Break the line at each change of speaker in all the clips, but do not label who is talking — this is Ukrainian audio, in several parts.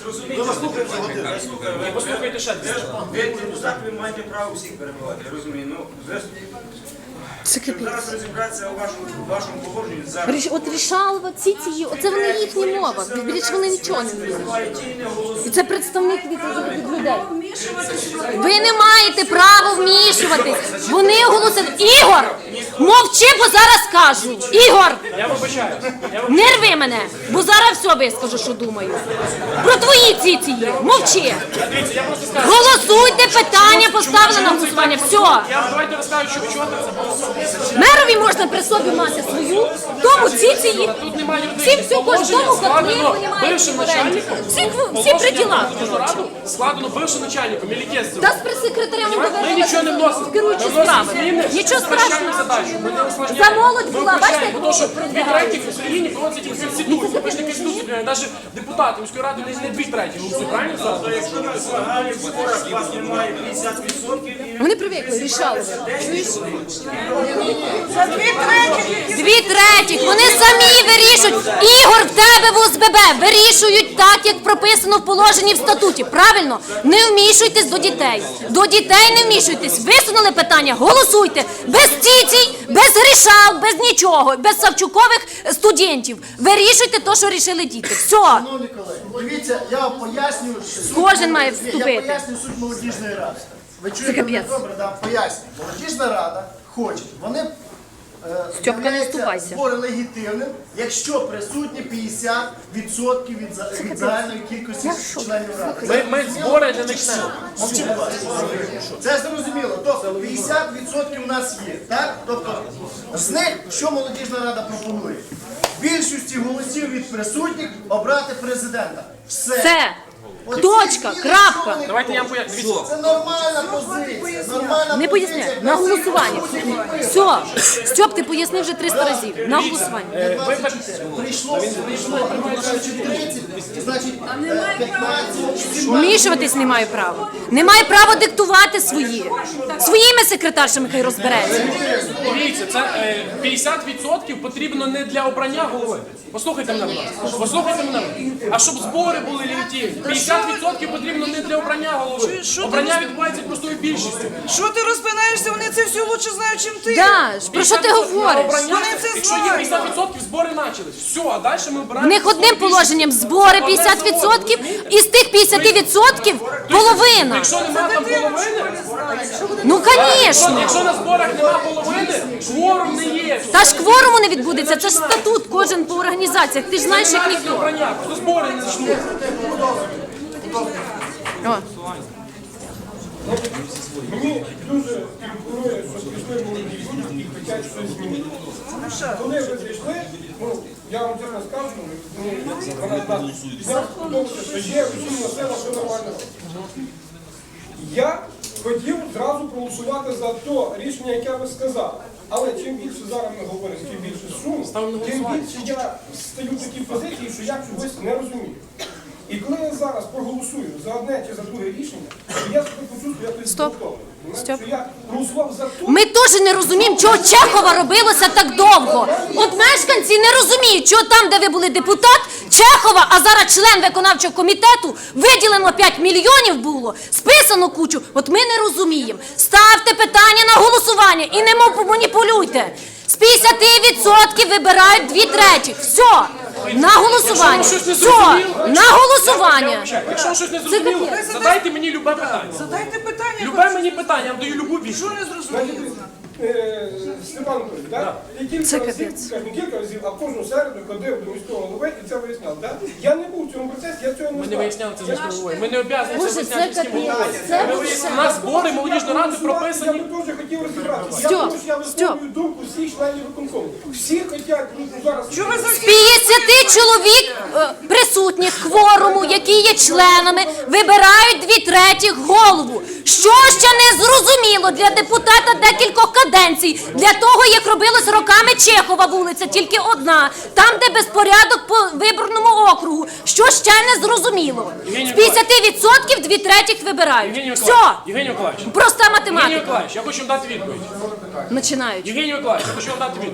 Послухайте ще.
Ви депутат, ви маєте право всіх перебувати, я розумію. Ну, щоб зараз розібратися у вашому положенні, зараз...
От рішалова, оце вони їхні мова, більше вони нічого не знають. І це представник від людей. Ви не маєте права вмішуватись. Вони оголосили. Ігор, мовчи, бо зараз скажу. Ігор,
Я вибачаю.
не рви мене, бо зараз все вискажу, що думаю. Про твої ціції. Мовчи.
Дивіться, я просто скажу.
Голосуйте, питання поставили на голосування. Все.
Давайте розкажу, що чого це було.
Мерові можна при собі мати свою, тому ціції.
Тут немає
Всім всю кожному котлі, понімаєте,
бившим начальником.
всі при ділах.
Складено бившим начальником, Мілікєсцем.
Та з прес-секретарем
Ми нічого не вносимо.
керуючі справи. Нічого страшного. За молодь була, бачите,
Тому що 2/3 в Україні проводиться тільки Конституція. Ви ж не Конституція, навіть депутати міської ради не 2/3 голосують, правильно?
То якщо на загальних зборах у вас немає 50%,
Вони привикли, рішали.
За 2/3.
2/3. Вони самі вирішують. Ігор, в тебе в ОСББ вирішують так, як прописано в положенні в статуті. Правильно? Не вмішуйтесь до дітей. До дітей не вмішуйтесь. Висунули питання, голосуйте. Без цицій, без грішал, без нічого, без Савчукових студентів. Вирішуйте те, що рішили діти. Все.
Шановні колеги, дивіться, я вам пояснюю, суть
Кожен має
молодіжної-
вступити.
Я пояснюю суть молодіжної ради. Ви чуєте мене
капець.
добре, да? Пояснюю. Молодіжна рада хоче, вони
Стьопка, не
являються
вступайся.
збори легітимним, якщо присутні 50% від загальної кількості членів ради.
Ми збори не почнемо.
Мовчи, будь ласка. Це зрозуміло. Тобто 50% у нас є. Так? Тобто з них що молодіжна рада пропонує? Більшості голосів від присутніх обрати президента.
Все.
Оці
Точка,
зміни,
крапка.
що вони
Давайте я вам
хочуть?
поясню.
Це нормальна позиція. Нормальна
Не
позиція.
поясняй, на голосування. Все. Стьоп, ти пояснив вже 300 разів. На голосування.
Прийшло 30, значить 15.
Вмішуватись не маю права. Не маю права диктувати свої. Своїми секретаршами хай розбереться.
Дивіться, це 50% потрібно не для обрання голови. Послухайте мене, будь ласка. Послухайте мене. А щоб збори були легітимні. 50% потрібно не для обрання голови. Обрання відбувається простою більшістю.
Що ти розпинаєшся? Вони це все лучше знають, чим ти.
Да, ж, про що ти
50%
говориш?
обрання,
Вони це
якщо є
знають.
50%, збори почались. Все, а далі ми
В
обираємо.
них одним положенням збори 50%, із тих 50% половина.
Якщо немає там половини,
Ну, звісно.
якщо на зборах немає половини, кворум не є.
Та ж кворуму не відбудеться, це ж статут кожен по організаціях. Ти ж знаєш, як ніхто.
Обрання, просто збори не почнуть.
О.
Мені дуже імпонує, що прийшли молоді люди і хочуть щось змінити. Коли ви прийшли, ну, я вам чесно скажу, вона я сподобався, що є розумна сила, що нормально. Я хотів зразу проголосувати за те рішення, яке ви сказали. Але чим більше зараз ми говоримо, тим більше шуму, тим більше я стаю в такій позиції, що я чогось не розумію. І коли я зараз проголосую за одне чи за друге рішення, то я себе почувствую якось зґвалтованим.
Стоп.
Що я голосував за те,
Ми теж не розуміємо, чого Чехова робилося так довго. От мешканці не розуміють, чого там, де ви були депутат, Чехова, а зараз член виконавчого комітету, виділено 5 мільйонів було, списано кучу. От ми не розуміємо. Ставте питання на голосування і не маніпулюйте. З 50% вибирають 2/3. Все. На голосування. Все. На голосування.
Якщо щось не зрозуміло, задайте мені любе питання.
Задайте питання.
Любе мені питання, я вам даю любу відповідь.
Що не зрозуміло?
Степан Анатолійович, да? І кілька разів, скажімо, кілька разів, а кожну середу ходив до міського голови і це виясняв. Да? Я не був в цьому процесі, я цього не
Ми
знав.
не виясняли це з міською головою. Ми не обов'язані це
Боже,
виясняти
це
міським головою.
капець. Це
Ми виясняли. У нас збори молодіжної ради прописані.
Я би теж хотів розібратися.
Стьоп,
Я думаю, що я
Стьоп.
висловлюю думку всіх членів виконкому. Всі хочуть, ну зараз...
Що ви за
50 чоловік присутніх кворуму, які є членами, вибирають 2/3 голову. Що ще не зрозуміло для депутата декількох каденцій, для того, як робилось роками Чехова вулиця, тільки одна, там, де безпорядок по виборному округу. Що ще не зрозуміло? З 50% 2/3 вибирають. Все.
Євгеній Миколаївич.
Проста
Євгеній
математика.
Миколаївич, я хочу вам дати відповідь.
Починають.
Євгеній Миколаївич, я хочу вам дати відповідь.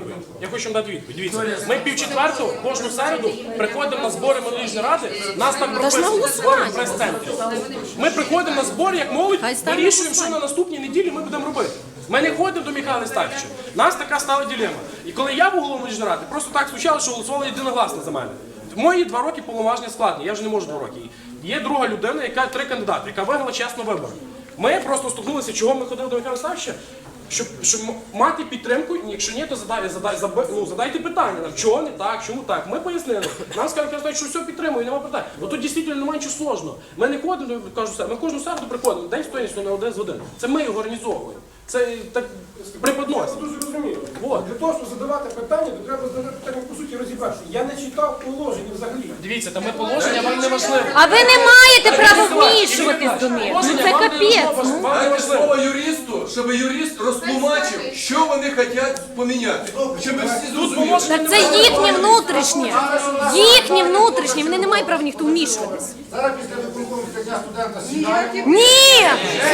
Я хочу вам дати відповідь. Дивіться, ми 3:45 кожну середу приходимо на збори молодіжної ради, нас так прописано, збори в прес-центрі. Ми приходимо на збори, як молодь, вирішуємо, що на наступній неділі ми будемо робити. Ми не ходимо до Михайла Ставича. У нас така стала дилема. І коли я був головою молодіжної ради, просто так случалося, що голосували єдиногласно за мене. Мої 2 роки повноваження складні, я вже не можу 2 роки. Є друга людина, яка 3 кандидати, яка виграла чесно вибори. Ми просто стукнулися, чого ми ходили до Михайла Ставича, щоб мати підтримку, якщо ні, то задайте питання нам, чого не так, чому так. Ми пояснили. Нам сказали, що все підтримує, немає питань. Ну тут дійсно немає нічого сложного. Ми не ходимо, ми кожну середу приходимо, день стоїть на 1 годин. Це ми його організовуємо. Це так преподносимо.
Дуже розумію.
Вот.
Для того, щоб задавати питання, то треба задати питання, по суті, розібравши. Я не читав положення взагалі.
Дивіться, там ми положення, вам не важливо.
А ви не маєте права вмішуватись до них. Ну це капець. Ну.
Вам не
Дайте
важливо.
слово юристу, щоб юрист розтлумачив, що вони хочуть поміняти. Щоб всі зрозуміли.
Так це їхнє внутрішнє. Їхнє внутрішнє. Вони не мають права ніхто вмішуватись.
Зараз після виконкому дня студента сідає.
Ні!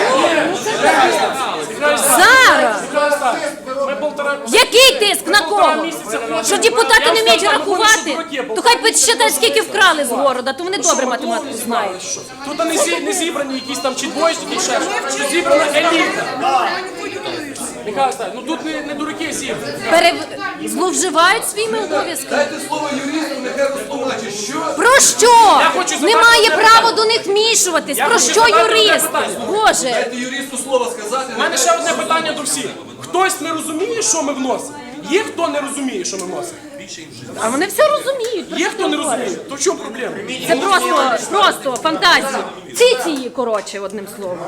Зараз!
Ми 1,5
Який тиск? На кого?
місяця
Що депутати не вміють рахувати? То хай підсчитають, скільки вкрали з города, то вони добре математику знають.
Тут не зібрані якісь там чи двоєчники, чи ще щось. Тут зібрана еліта. Михайло Сталінович, ну тут не дураки зібрані.
Зловживають своїми обов'язками.
Дайте слово юристу, нехай розтлумачить, що...
Про що?
хочу задати
Немає
одне
права
питання.
до них вмішуватись.
Я
Про
хочу
що
задати одне
юрист?
питання.
Боже.
Дайте юристу слово сказати.
У мене ще одне питання до всіх. Хтось не розуміє, що ми вносимо? Є хто не розуміє, що ми вносимо?
А вони все розуміють. Про
Є
що
хто
ти
не
говориш?
розуміє? То в чому проблема?
Це просто фантазії. Циції, коротше, одним словом.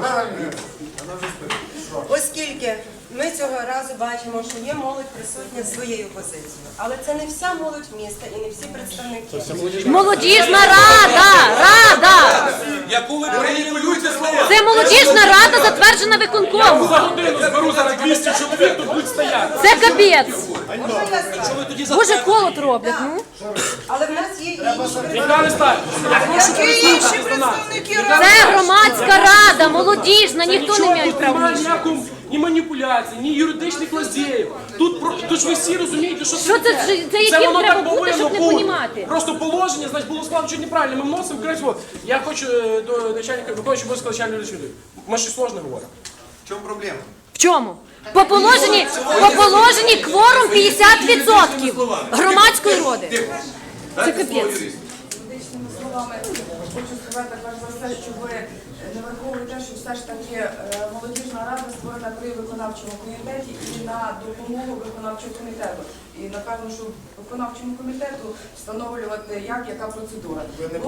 Оскільки ми цього разу бачимо, що є молодь присутня з своєю позицією, але це не вся молодь міста і не всі представники.
Молодіжна рада!
Яку ви маніпулюєте слова?
Це молодіжна рада, затверджена виконкомом.
За годину зберу зараз 200 чоловік, тут будуть стояти.
Це капець.
Можна я скажу?
Боже, колот роблять. Ну.
Але в нас є інші
Михайло Сталінович, я прошу
Які інші
прислухатися до нас.
представники
Це громадська рада, молодіжна, ніхто не
Нічого
має
тут
права.
немає ніякого ні маніпуляцій, ні юридичних лазєїв. Тут ж ви всі розумієте, що
Що це, це яким
воно
треба
так
бути,
повинно
щоб не
бути.
понімати?
Просто положення, значить, було складно чуть неправильно. Ми вносимо крізь. Вот. Я хочу до начальника, виконуючого обов'язки начальника речової. Ми щось сложне говоримо.
В чому проблема?
В чому? По положенні кворум 50% громадської роди.
Дайте
капець.
слово юристу.
Медичними словами хочу сказати перш за все, що ви не враховуєте, що все ж таки молодіжна рада створена при виконавчому комітеті і на допомогу виконавчого комітету. І напевно, що виконавчому комітету встановлювати, яка процедура.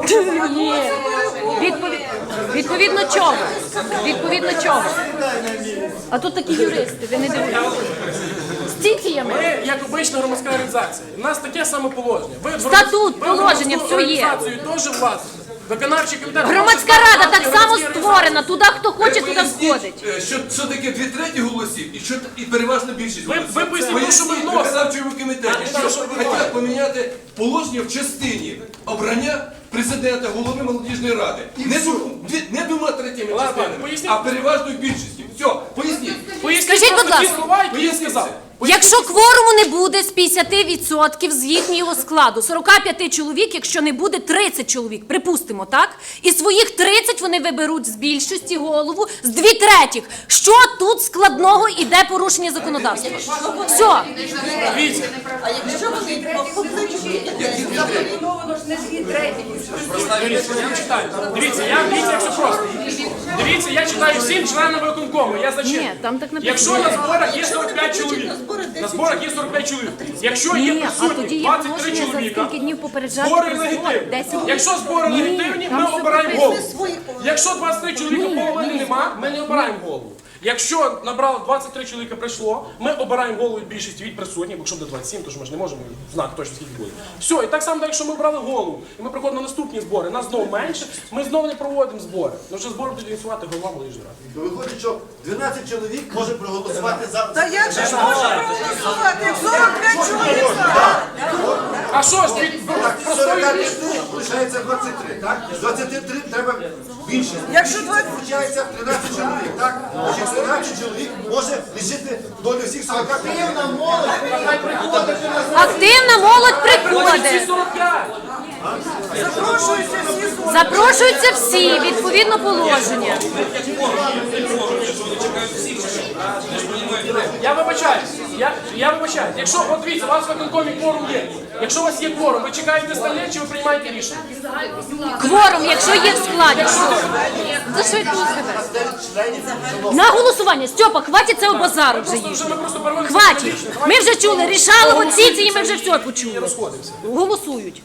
Відповідно чого? Відповідно чого? А тут такі юристи, ви не дивитесь. З ціціями.
Ми, як обична громадська організація, у нас таке саме положення. Ви
Статут, положення, все є.
організацію теж власне. Виконавчий комітет.
Громадська рада так само створена, туди хто хоче, туди
Поясніть,
входить.
що таке 2/3 голосів і переважна більшість
Ви
голосів.
поясніть, що ми вносимо.
виконавчому комітеті, що хочуть поміняти положення в частині обрання президента, голови молодіжної ради. Не 2/3
Ладно,
частинами,
поясніть.
а переважною більшістю. Все, поясніть.
Поясніть
Скажіть,
просто
будь
ті
ласка.
слова, які я сказав.
Якщо кворуму не буде з 50% з їхнього складу, 45 чоловік, якщо не буде 30 чоловік, припустимо, так? І своїх 30 вони виберуть з більшості голову, з 2/3. Що тут складного іде порушення законодавства? Все.
Дивіться,
А якщо вони запропоновано ж не 2/3.
дивіться, я читаю. Дивіться, як все просто. Дивіться, я читаю всім членам виконкому. Я зачитую.
Ні, там так написано.
Якщо на зборах є 45 чоловік, на зборах є 45 чоловік. Якщо є
Ні, а
присутні
тоді є
23
положення, за
чоловіка,
скільки днів попереджати
збори
про збори.
легітимні.
10 днів.
Якщо збори
Ні,
легітимні,
там
ми
все
обираємо
прописано.
голову. Якщо 23 чоловіка половини нема, ми не обираємо голову. Якщо набрало 23 чоловіка прийшло, ми обираємо голову від більшості від присутніх, бо якщо буде 27, то ж ми ж не можемо знати точно скільки буде. Все, і так само, якщо ми обрали голову, і ми приходимо на наступні збори, нас знову менше, ми знову не проводимо збори. Ну вже збори будуть ініціювати голова молодіжної ради.
Виходить, що 12 чоловік може проголосувати за...
Та як же ж може проголосувати, як 45 чоловік?
А що ж, від простої
45 лишається 23, так? З 23 треба більше.
Якщо 20...
Получається 13 чоловік, так? Значить,
виконавчий чоловік може лишити долю всіх 40
Активна молодь, хай приходить до нас.
Активна молодь приходить.
45.
Запрошуються всі, відповідно положення.
Я вибачаюсь. Я вибачаюсь. Якщо, от дивіться, у вас в виконкомі кворум є. Якщо у вас є кворум, ви чекаєте столі, чи ви приймаєте рішення?
Кворум, якщо є в складі. За що я кажу себе? На голосування. Стьопа, хватить цього базару вже їх.
Ми просто переводимо.
Хватить. Ми вже чули, рішали оці, і ми вже все почули. Голосують.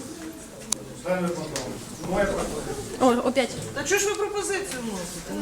О, опять.
Та чого ж ви пропозицію вносите?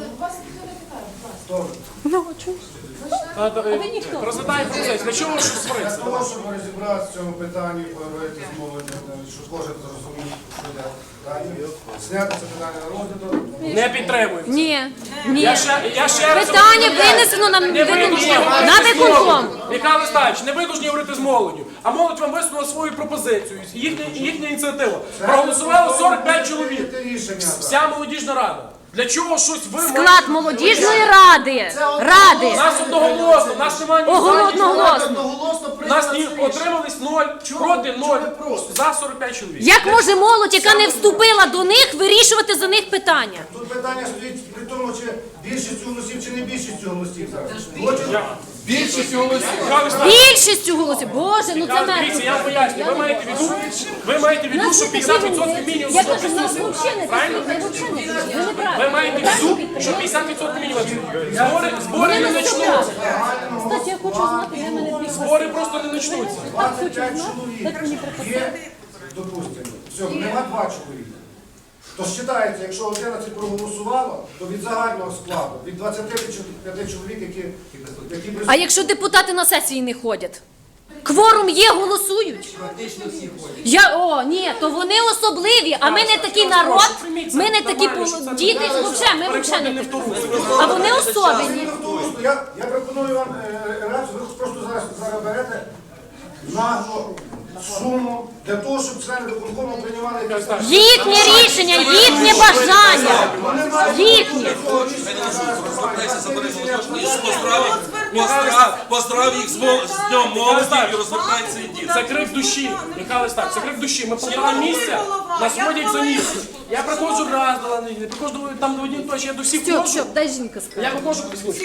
Розглядаємо процес. Для чого ви щось сваритися?
Тому, щоб розібратися в цьому питанні, поговорити з молоддю, щоб зложити зрозуміти, що йде далі. Зняти це питання на розгляду.
Не підтримуємо.
Ні. Ні.
Я ще раз
Питання
повторюю.
винесено на
Не ви
виконком.
должні говорити
На
з
виконком.
молоддю. Михайло Ставич, не ви повинні говорити з молоддю, а молодь вам висунула свою пропозицію, їхня ініціатива. Проголосувало 45 чоловік.
Рішення.
Вся молодіжна рада. Для чого щось ви
Склад молодіжної ради. Ради.
Нас одноголосно, нас немає ні за, ні проти.
Одноголосно
Нас
прийняли
ні
рішення.
отримались 0, проти 0, за 45 чоловік.
Як може молодь, яка не вступила до них, вирішувати за них питання?
Тут питання стоїть при тому, чи більшість голосів, чи не більшість голосів зараз. Хочуть?
Більшість голосів.
Михайло Ставич,
Більшістю голосів. Боже, ну це
дивіться, я вам поясню. Ви маєте в виду, що 50% мінімум.
Я кажу, нас взагалі не
Правильно?
потрібно. Ви взагалі не потрібно.
Ви маєте в виду, що 50% мінімум. Збори не почнуться.
Кстати, я хочу знати, де мене дві.
Збори просто не почнуться.
25 чоловік є, допустимо, все, нема 2 чоловіка. То вважається, якщо 11 проголосувало, то від загального складу, від 25 чоловік, які
А
присутні.
якщо депутати на сесії не ходять? Кворум є, голосують. Ні, то вони особливі, а ми не такий народ, ми не такі діти, взагалі, ми взагалі не такі. А вони особливі.
Я пропоную вам реакцію, ви просто зараз берете нагло суму для того, щоб члени виконкому приймали якісь...
Їхнє рішення, їхнє бажання. Їхнє.
Поздрав їх з Днем молоді і розвертається і діти.
Це крик душі. Михайло Ставич, це крик душі. Ми полтора місця, нас водять за ніс. Я приходжу раз до неділі, приходжу там до однієї точки, я до всіх ходжу.
Дай жінка скаже.
Я виходжу,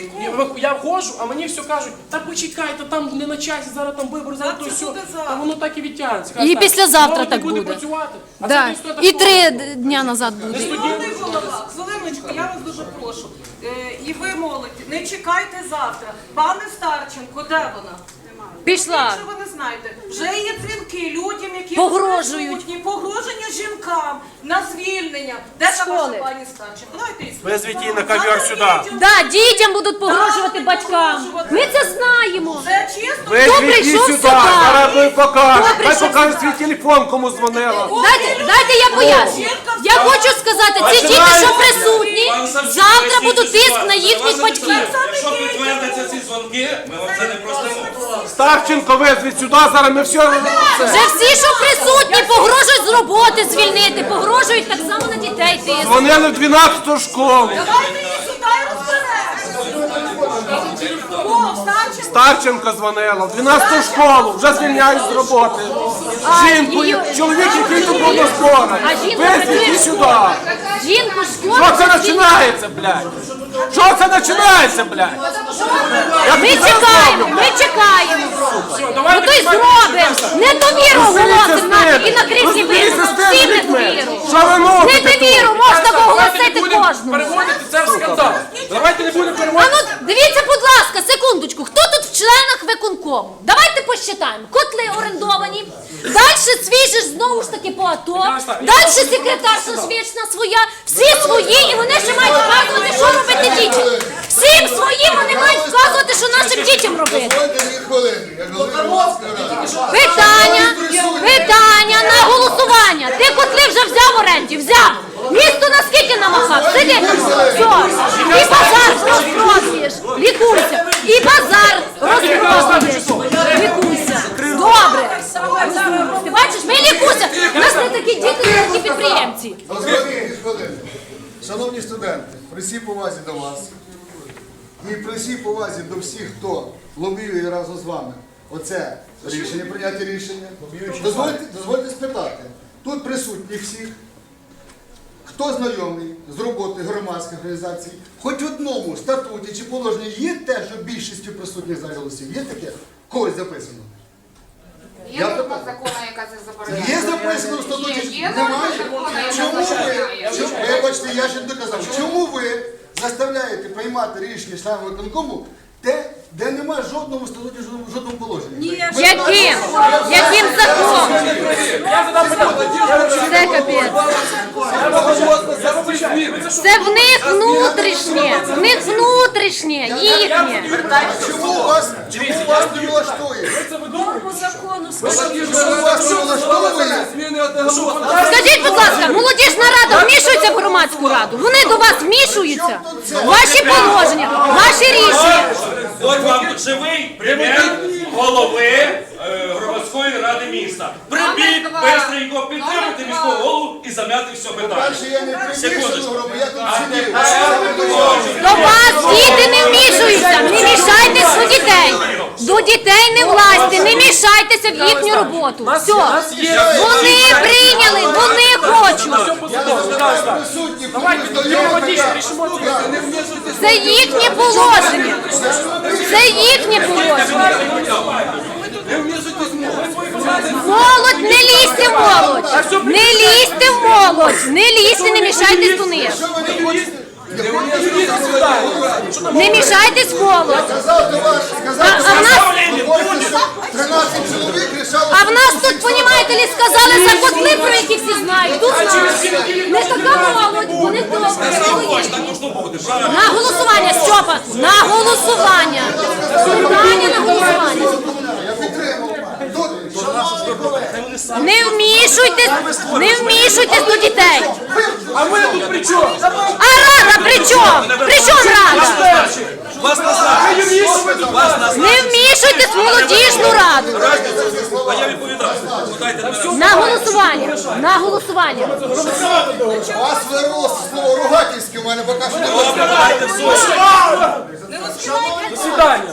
я входжу, а мені все кажуть, та почекайте, там не на часі, зараз там вибори, зараз то все. Та воно так і відтягнеться.
І післязавтра
Молодь
так
не буде
буде.
працювати. А
Да.
це ніхто
І
такого.
3 дня назад буде.
Шановний голова, Зеленочко, я вас дуже прошу. І ви, молодь, не чекайте завтра. Пане Старченко, де вона?
Пішла.
Якщо ви не знаєте, вже є дзвінки людям, які
Погрожують.
присутні, погроження жінкам на звільнення. Де та ваша пані Старченко? Давайте її
Визвіть її на ковер сюди.
Да, дітям будуть погрожувати батькам. Ми це знаємо.
Це чисто.
Хто прийшов сюди?
ми покажемо.
Хто прийшов сюди?
свій телефон, кому дзвонила.
Дайте я поясню. Я хочу сказати, ці діти, що присутні, завтра будуть тиск на їхніх батьків.
Якщо підтвердяться ці дзвонки, ми вам це не простимо.
Старченко визвіть сюди, зараз ми все...
Вже всі, що присутні, погрожують з роботи звільнити, погрожують так само на дітей тиск.
Дзвонили в 12-ту школу.
Давайте її сюди і розберемося. О, Старченко.
Старченко дзвонила в 12-ту школу, вже звільняють з роботи. Жінку, чоловік, який тут був на зборах.
А жінка
Визвіть
працює
її
в
сюди.
школі. Жінку з школи.
Що це починається, блядь? Що це починається, блядь?
Ми чекаємо, ми чекаємо.
Все,
Ну
давайте
то й зробимо. Недовіру оголосимо і на кризі
Розберіться
вирішимо.
з
Всім
тими людьми.
недовіру.
Що ви мовите
Недовіру
тут?
можна
Давайте
оголосити
не будемо
кожному.
переводити це в скандал. Давайте не будемо
А
переводити.
ну, дивіться, будь ласка, секундочку, хто тут в членах виконкому? Давайте посчитаємо. Котли орендовані, далі свіжі ж знову ж таки по АТО, далі секретарша ж вічна своя, всі свої, і вони ще мають вказувати, що робити дітям. Всім своїм вони мають вказувати, що нашим дітям робити. Питання на голосування. Ти котли вже взяв в оренді? Взяв. Місто наскільки намахав? Сиди. Все. І базар розпродуєш. Лікуйся. І базар розпродуєш. Лікуйся. Добре. Ти бачиш, ми лікуйся. У нас не такі діти, не такі підприємці.
Шановні студенти, при всій повазі до вас, І при всій повазі до всіх, хто лобіює разом з вами оце рішення, прийняття рішення, дозвольте спитати, тут присутні всіх, хто знайомий з роботою громадських організацій, хоч в одному статуті чи положенні є те, що більшістю присутніх за голосів, є таке? Когось записано?
Є норма закону, яка це забороняє?
Є записано в статуті?
Є норма
Немає?
закону, яка
Чому ви,
забороняє?
вибачте, я ще не доказав, чому ви заставляєте приймати рішення членів виконкому те, де немає жодному статуті, жодному положенні?
Яким? Яким законом?
Я задам питання.
Це капець. Це в них внутрішнє, в них внутрішнє, їхнє.
Чому вас не влаштує?
Норму закону
Чому вас не влаштовує?
Скажіть, будь ласка, молодіжна рада вмішується в громадську раду? Вони до вас вмішуються? Ваші положення, ваші рішення.
От вам живий примір голови громадської ради міста. Прибіть бистренько, підтримати міського голову і зам'яти все питання.
Перше, я не приміщену гробу, я тут сидів.
До вас діти не вмішуються, не мішайтесь до дітей. До дітей не влазьте, не мішайтеся в їхню роботу. Все. Вони прийняли, вони хочуть.
Присутні,
Давайте дипломатично рішимо це.
Це їхнє положення. Це їхнє положення. Молодь, не лізьте в молодь. Не лізьте в молодь. Не лізьте, не мішайтесь до них. Не мішайтесь в молодь.
Сказав до вас, сказав,
А в нас,
13 чоловік рішало.
а в нас тут, понімаєте ли, сказали за котли, про які всі знають. Тут знають. Не така молодь, вони добре. На голосування, Стьопа, на голосування. Питання на голосування.
Я підтримав.
Не вмішуйтесь до дітей.
А ми тут при чому?
А рада при чому? При чому рада?
Вас назад! Вас назад!
Не вмішуйтесь в молодіжну раду.
А я відповідаю. Дайте мене.
На голосування. На голосування.
Вас вирвало слово ругательське, у мене поки що не було.
Дайте все.
Засідання.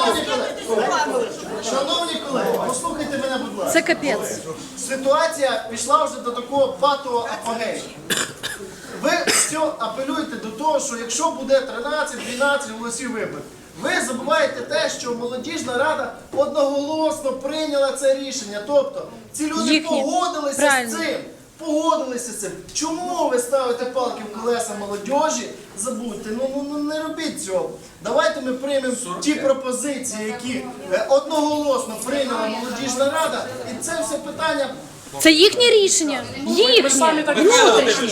Шановні колеги, послухайте мене, будь ласка.
Це капець.
Ситуація пішла вже до такого патового апогею. Ви все апелюєте до того, що якщо буде 13-12 голосів виборів, ви забуваєте те, що молодіжна рада одноголосно прийняла це рішення. Тобто ці люди
Їхні.
погодилися
Правильно.
з цим. Погодилися з цим. Чому ви ставите палки в колеса молодіжі? Забудьте, ну не робіть цього. Давайте ми приймемо ті пропозиції, які одноголосно прийняла молодіжна рада, і це все питання.
Це їхнє рішення. Їхнє. Внутрішнє.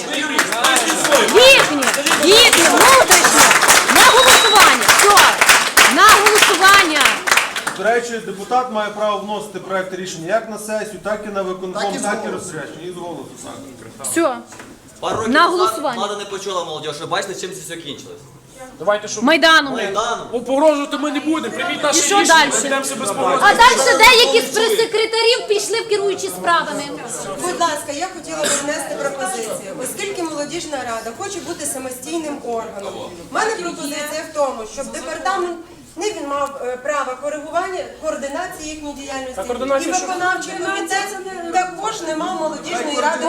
Їхнє. Внутрішнє. На голосування. Все. На голосування.
До речі, депутат має право вносити проекти рішення як на сесію, так і на виконком, так і розпорядження. І з голосу сам.
Все.
Пару років
На
назад
голосування.
влада не почула молодіж. Ви бачите, чим це все кінчилось?
Давайте, щоб
Майданом.
погрожувати ми не будемо. Прийміть наше
І що
рішення,
далі?
ми йдемо себе з погрозою.
А далі деякі з прес-секретарів пішли в керуючі справами.
Будь ласка, я хотіла б внести пропозицію. Оскільки молодіжна рада хоче бути самостійним органом, в мене пропозиція в тому, щоб департамент не він мав право коригування, координації їхньої діяльності.
А координація
І
що?
виконавчий комітет також не мав молодіжної ради.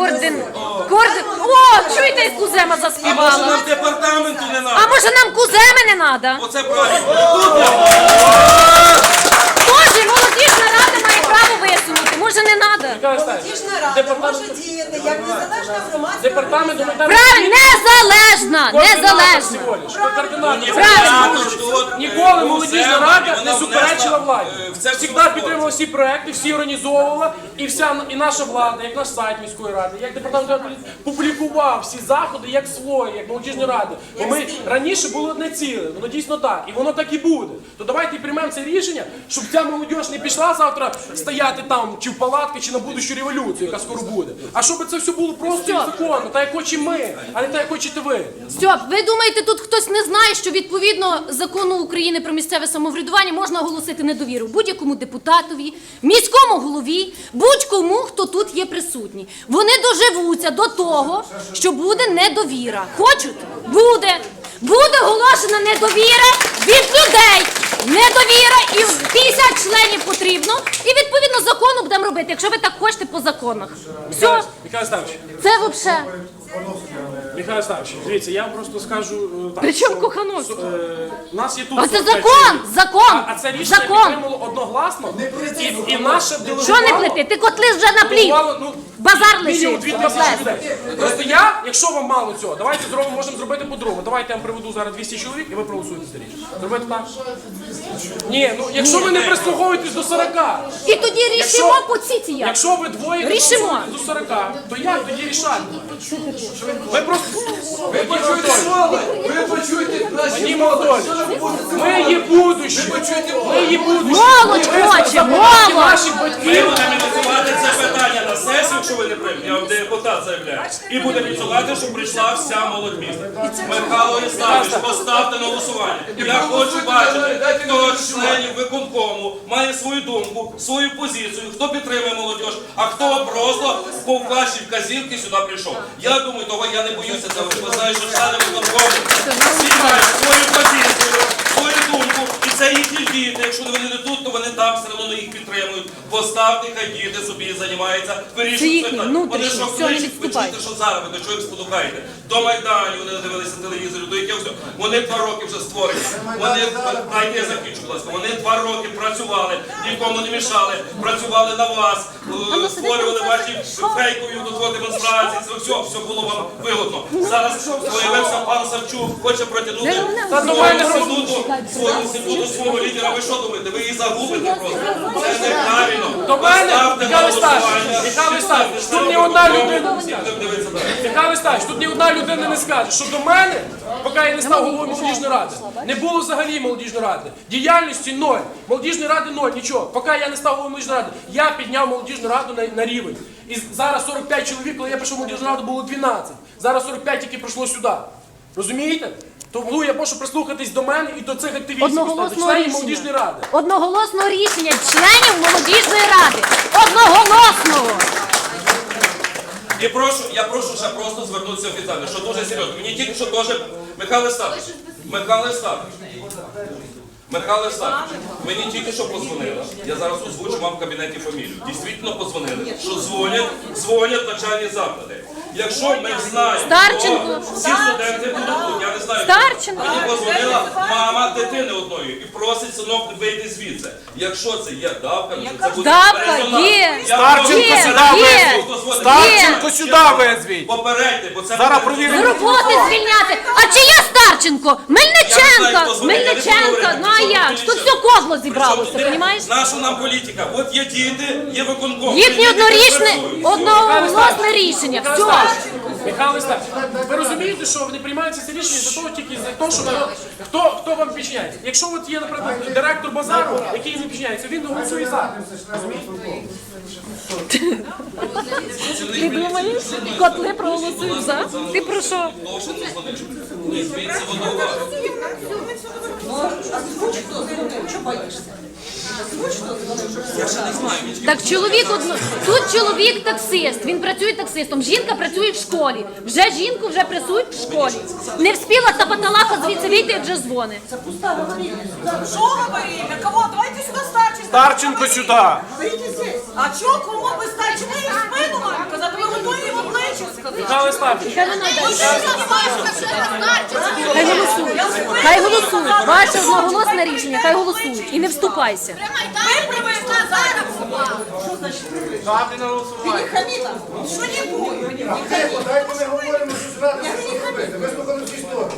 О, чуєте, як Кузема
А може
заспівала?
нам департаменту не
А
треба?
може нам Куземи не треба?
Оце правильно.
Тоже молодіжна рада має право висунути. Може не треба?
Молодіжна рада може діяти як незалежна громадська
Департамент
організація.
гуманітарної
Правильно, незалежна.
Правильно. Ніколи молодіжна рада не суперечила владі. Завжди підтримувала всі проекти, всі організовувала, і наша влада, як наш сайт міської ради, як департамент публікував всі заходи, як свої, як молодіжна рада. Бо ми раніше були одне ціле, воно дійсно так, і воно так і буде. То давайте приймемо це рішення, щоб ця молодіж не пішла завтра стояти там, чи в палатки, чи на будущу революцію, яка скоро буде. А щоб це все було просто і законно, так як хочемо ми, а не так як хочете ви.
Стьоп, ви думаєте, тут хтось не знає, що відповідно закону України про місцеве самоврядування можна оголосити недовіру будь-якому депутатові, міському голові, будь-кому, хто тут є присутній. Вони доживуться до того, що буде недовіра. Хочуть? Буде. Буде оголошена недовіра, від людей недовіра і 50 членів потрібно. І відповідно закону будемо робити, якщо ви так хочете по законах. Все,
Михайло Ставич,
це взагалі.
Михайло Ставич, дивіться, я вам просто скажу так.
При чому
що,
Кохановський?
У нас є тут...
А це
45
закон,
чоловік.
закон,
А це рішення
закон.
підтримало одногласно. І наше делегувало...
Що не плети? Ти котли вже наплів.
делегувало,
Базар
мінімум
лишив.
2000 людей. Просто я, якщо вам мало цього, давайте зробимо, можемо зробити по-другому. Давайте я вам приведу зараз 200 чоловік і ви проголосуєте за рішення. Зробити так? Ні, ну якщо ви не прислуховуєтесь до 40.
І тоді рішимо по ціті як.
Якщо ви двоє не
Рішимо.
прислуховуєтесь до 40, то як тоді рішати? Ви просто...
Ви почуєте слово, ви почуєте наші
Вадим
молоді.
Анатольевич, ми є будущее. Ми є будущее.
Молодь
Ми
хоче,
забираємо
молодь.
наших
Ми
батьків.
будемо ініціювати це питання на сесію, якщо ви не приймете, я вам депутат заявляю. І будемо ініціювати, щоб прийшла вся молодь міста. Михайло Єславович, поставте на голосування. Я хочу бачити, хто з членів виконкому має свою думку, свою позицію, хто підтримує молодь, а хто просто по вашій вказівці сюди прийшов. Я думаю, того я не боюся цього. Ви знаєте, що члени виконкому всі мають свою позицію, свою думку. І це їхні діти. Якщо вони не тут, то вони там все одно їх підтримують. Поставте, хай діти собі займаються, вирішують питання. Вони що кличуть, ви чуєте, що зараз ви до чого їх спонукаєте? До Майдану вони дивилися телевізору, до яких все. Вони 2 роки вже створені. Вони, дайте я закінчу, будь ласка, вони 2 роки працювали, нікому не мішали, працювали на вас, створювали ваші фейкові демонстрації, це все було вам вигодно. Зараз появився пан Савчук, хоче протягнути свого інституту, свого лідера. Ви що думаєте? Ви її загубите просто. Це неправильно.
До мене,
Поставте на
Михайло Ставич,
голосування.
Михайло Ставич, тут ні одна людина... Михайло Ставич, тут ні одна людина не скаже, що до мене, поки я не став головою молодіжної ради, не було взагалі молодіжної ради. Діяльності 0, молодіжної ради 0, нічого. Поки я не став головою молодіжної ради, я підняв молодіжну раду на рівень. І зараз 45 чоловік, коли я прийшов в молодіжну раду, було 12. Зараз 45 тільки прийшло сюди. Розумієте? Тому я прошу прислухатись до мене і до цих активістів,
Одноголосного
членів молодіжної
рішення.
ради.
Одноголосного рішення членів молодіжної ради. Одноголосного.
І я прошу ще просто звернутися офіційно, що дуже серйозно. Мені тільки що теж Михайло Єславович, мені тільки що позвонили. Я зараз озвучу вам в кабінеті фамілію. Дійсно позвонили, що дзвонять начальні заклади. Якщо ми знаємо,
Старченко.
то всі студенти будуть тут, я не знаю.
Старченко.
Мені позвонила мама дитини одної і просить синок вийти звідси. Якщо це є давка, то це буде
Давка
резонанс.
є.
Я
Старченко
прошу,
сюди
Є.
визвіть. Старченко сюди визвіть.
Попередьте, бо це
Зараз
буде-
провіримо.
З роботи звільняти. А чи є Старченко? Мельниченко. Мельниченко. Ну а як? Тут все кодло зібралося, розумієш?
Наша нам політика. От є діти, є виконком.
Їхнє одноголосне рішення. Все.
Михайло Ставич, ви розумієте, що не приймаються ці рішення за того тільки за того, що хто вам підчиняється. Якщо от є, наприклад, директор базару, який не підчиняється, він не голосує за.
Ти думаєш, котли проголосують за? Ти про що? Так чоловік тут чоловік таксист, він працює таксистом, жінка працює в школі. Вже жінку вже працюють в школі. Не встигла та паталаха звідси вийти, як вже дзвонить.
Що говорили? Кого? Давайте сюди Старченко.
Старченко сюди.
А чого, кому ви Старченко? Ми їх спину маємо казати, ви готові йому плечі сказати.
Михайло Ставич,
Хай голосують. Хай голосують. Ваше одноголосне рішення, хай голосують. І не вступайся.
Ви привезли зараз.
ставте на голосування.
Що-нибудь.
Дайте ми говоримо, що зрадимо, що робити. Ви слухали всі сторони.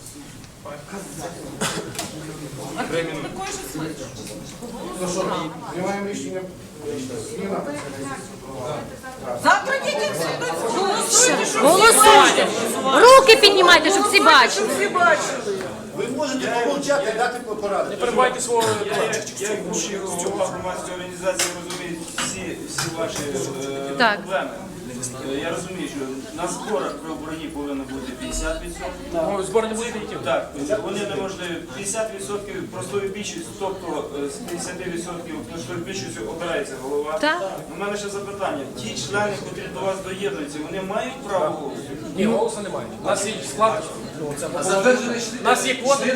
Ну що, приймаємо рішення. Зміна.
Завтра дітям голосуйте.
Голосуйте. Руки піднімайте, щоб всі бачили.
Ви можете помовчати, дати поради.
Не перебувайте свого...
Я як бувший голова громадської організації розумію всі ваші
Так.
проблеми. Я розумію, що на зборах при обороні повинно бути 50%.
Ну, збори не буде ефективні.
Так, вони неможливі. 50% простою більшістю, тобто з 50% простою більшістю обирається голова.
Так.
У мене ще запитання. Ті члени, які до вас доєднуються, вони мають право голосу?
Ні, голосу немає. У нас є склад. У нас є квоти.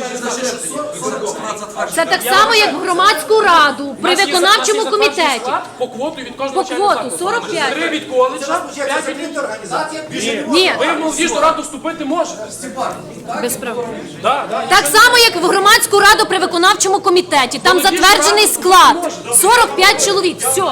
Це так само, як в громадську раду при виконавчому комітеті.
По квоту від
По
кожного
квоту
закладу.
45.
3 від коледжа, 5 від
організація.
Ні,
ви в молодіжну раду вступити можете.
без права.
Да.
Так само, як в громадську раду при виконавчому комітеті. Там затверджений склад. 45 чоловік. Все.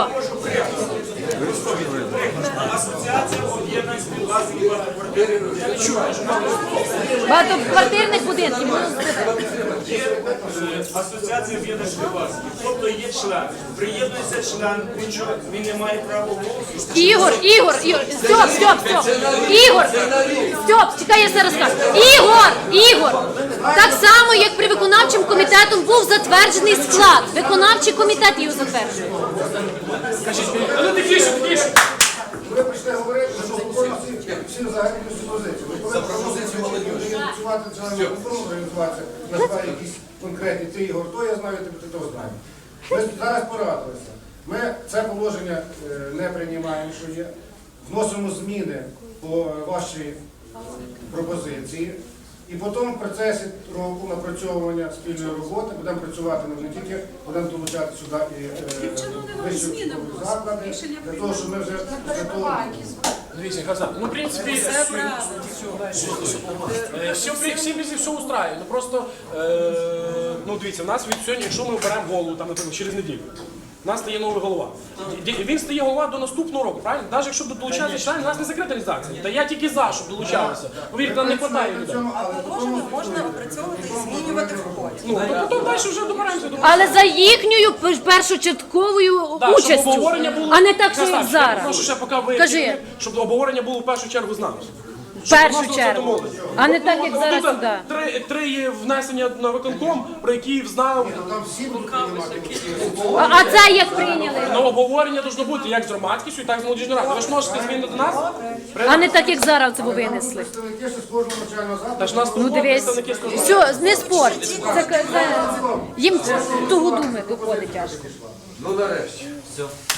Асоціація об'єднань співвласників багатоквартирних.
Багатоквартирних будинків.
Є асоціація об'єднань співвласників. Тобто є член. Приєднується член, він не має права голосу.
Ігор, Стьоп. Стьоп, чекай, я все розкажу. Ігор, так само, як при виконавчому комітетом був затверджений склад. Виконавчий комітет його затверджує.
Ну тихіше.
Ви прийшли говорити, що всі взагалі позиції. За пропозицію молодіжі. Працювати членами виконкому, організуватися, назвати якісь конкретні. Ти, Ігор, то я знаю, ти того знаєш. Ми зараз порадилися. Ми це положення не приймаємо, що є. Вносимо зміни по вашій пропозиції. І потім в процесі року напрацьовування спільної роботи будемо працювати не тільки, будемо долучати сюди і вищі заклади, для того, щоб ми вже
Дивіться, Хазан, ну, в принципі, все устраює. Ну, просто, ну, дивіться, в нас від сьогодні, якщо ми оберемо голову, там, наприклад, через неділю, у нас стає новий голова. Він стає голова до наступного року, правильно? Навіть якщо долучатися члени, у нас не закрита реалізація. Та я тільки за, щоб долучалися. Повірте, нам не вистачає людей.
Положення можна опрацьовувати і змінювати в ході.
Ну, то потім далі вже добираємося до...
Але за їхньою першочатковою участю, а не так, що як зараз.
Прошу ще поки ви,
Кажи.
щоб обговорення було в першу чергу з нами.
В першу чергу. А не так, як зараз сюди.
Три є внесення на виконком, про які знав.
А це як прийняли?
Ну, обговорення должно бути як з громадськістю, так і з молодіжною радою. Ви ж можете змінити до нас?
А не так, як зараз це ви винесли.
представники з кожного навчального закладу.
Та ж нас
Ну
тут
дивись,
представники скажуть.
все, не спор. Їм тугу думи доходить аж.
Ну нарешті.
Все.